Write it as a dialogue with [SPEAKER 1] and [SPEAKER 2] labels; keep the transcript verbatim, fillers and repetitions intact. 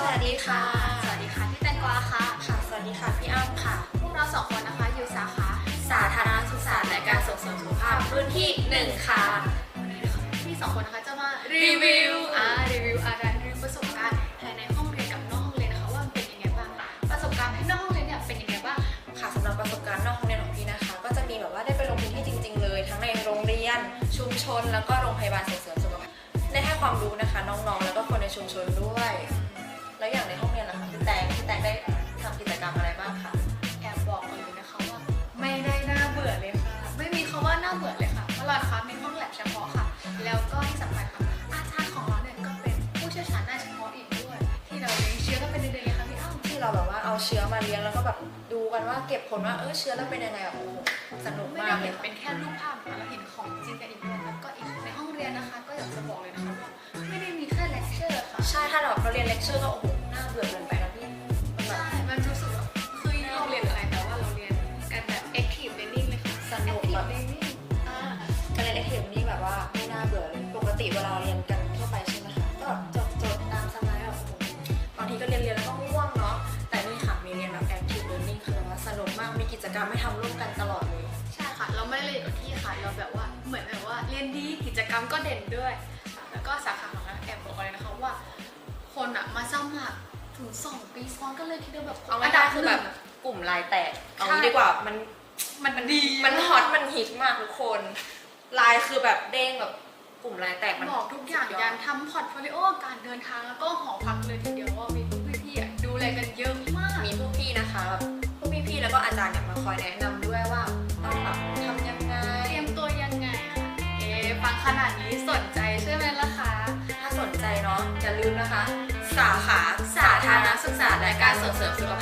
[SPEAKER 1] วัสดีค่ะ
[SPEAKER 2] สวัสดีค่ะพี่แตงกวาค่ะ
[SPEAKER 1] ค่ะสวัสดีค่ะพี่อ้ำค่ะ
[SPEAKER 2] พวกเราสองคนนะคะอยู่สาขา
[SPEAKER 1] สาธารณสุขศาสตร์และการส่งเสริมสุขภาพรุ่นที่หนึ่งค่ะ
[SPEAKER 2] พี่สองคนนะคะจะมารีวิวอ่ารีวิวอะไรรีวิวประสบการณ์ภายในห้องเรียนกับนอกห้องเรียนนะคะว่ามันเป็นยังไงบ้างประสบการณ์ภายนอกห้องเรียนเนี่ยเป็นยังไงบ้าง
[SPEAKER 1] ค่ะสำหรับประสบการณ์นอกห้องเรียนของพี่นะคะ ก็จะมีแบบว่าได้ไปลงพื้นที่จริงๆเลยทั้งในโรงเรียนชุมชนแล้วก็โรงพยาบาลส่งเสริมสุขภาพได้ให้ความรู้นะคะน้องๆแล้วก็คนในชุมชนด้วยแล้วอย่างในห้องเรียนล่ะคะพี่แตงพี่แตงได้ทำกิจกรรมอะไรบ้างคะ
[SPEAKER 2] แอบบอกเลยนะคะว่าไม่ได้น่าเบื่อเลยค่ะไม่มีคำว่าน่าเบื่อเลยค่ะเพราะเรานะคะมีห้องแลบเฉพาะค่ะแล้วก็ที่สำคัญค่ะอาจารย์ของเราเนี่ยก็เป็นผู้เชี่ยวชาญด้านเฉพาะอีกด้วยที่เราเลี้ยงเชื้อก็เป็นเดือนๆเลยค่ะพี่อ้ำ
[SPEAKER 1] ที่เราแบบว่าเอาเชื้อมาเลี้ยงแล้วก็แบบดูกันว่าเก็บผลว่าเออเชื้อแล้วเป็นยังไงแบบโอ้สนุก
[SPEAKER 2] ไม่ได้
[SPEAKER 1] มากเล
[SPEAKER 2] เห็
[SPEAKER 1] ย
[SPEAKER 2] นเป็นแค่รูปภาพค่ะเราเห็นของจริงกันอีกด้วยแล้วก็อีกในห้องเรียนนะคะก็อยากจะบอกเลยนะคะว่าไม่ได้มีแค่เลคเชอร์ค่ะ
[SPEAKER 1] ใช่ถ้าเราเราเรียนเลคเชอร์ก็โอ้โหน่าเบื่อเกินไปนะพี่มันแบบ
[SPEAKER 2] ใช่มันรู้สึกแบบคือเราเรียนอะไรแต่ว่าเราเรียนกันแบบ active learning เลยค่ะ
[SPEAKER 1] สนุก
[SPEAKER 2] active
[SPEAKER 1] แบบ
[SPEAKER 2] learning อ่า
[SPEAKER 1] การเรียนเอ็กนี่แบบว่าไม่น่าเบื่อเลยปกติเวลาเรียนกันทั่วไปใช่ไหมคะก็จดจดตามสไลด์แบบโอ้โหบางทีก็เรียนเรียนแล้วก็ง่วงเนาะแต่นี่ค่ะมีเรียนแบบ active learning คือแบบว่าสนุกมากมีกิจกรรมให้ทำร่วมกันตลอดเลย
[SPEAKER 2] ใช่ค่ะเราไม่ได้เรียนกับที่ค่ะเราแบบว่าเหมือนแบบว่าเรียนดีกิจกรรมก็เด่นด้วยแล้วก็สาขาของเราแอบบอกเลยนะคะว่าคนอะมาสมัครถึงสองปีซ้อนก็เลยคิดว่าแบบ
[SPEAKER 1] เอาง่ายๆคือแบบกลุ่มลายแตกเอางี้ดีกว่ามัน
[SPEAKER 2] มันดี
[SPEAKER 1] มันฮอตมันฮิตมากทุกคนลายคือแบบเด้งแบบกลุ่มลายแตกมัน
[SPEAKER 2] บอกทุกอย่างยันทำพอร์ตโฟลิโอการเดินทางแล้วก็หอพักเลยทีเดียวว่ามีพวกพี่ๆอะดูแลกันเยอะมาก
[SPEAKER 1] มีพวกพี่นะคะแบบพวกพี่ๆแล้วก็อาจารย์เนี่ยมาคอยแนะนำด้วยว่าต้องแบบทำยังไง
[SPEAKER 2] เตรียมตัวยังไงคะเอ๊ะฟังขนาดนี้สนใจใช่ไหมล่ะคะ
[SPEAKER 1] ถ้าสนใจเนาะอย่าลืมนะคะ สาขาสาธารณสุขศาสตร์และการส่งเสริมสุข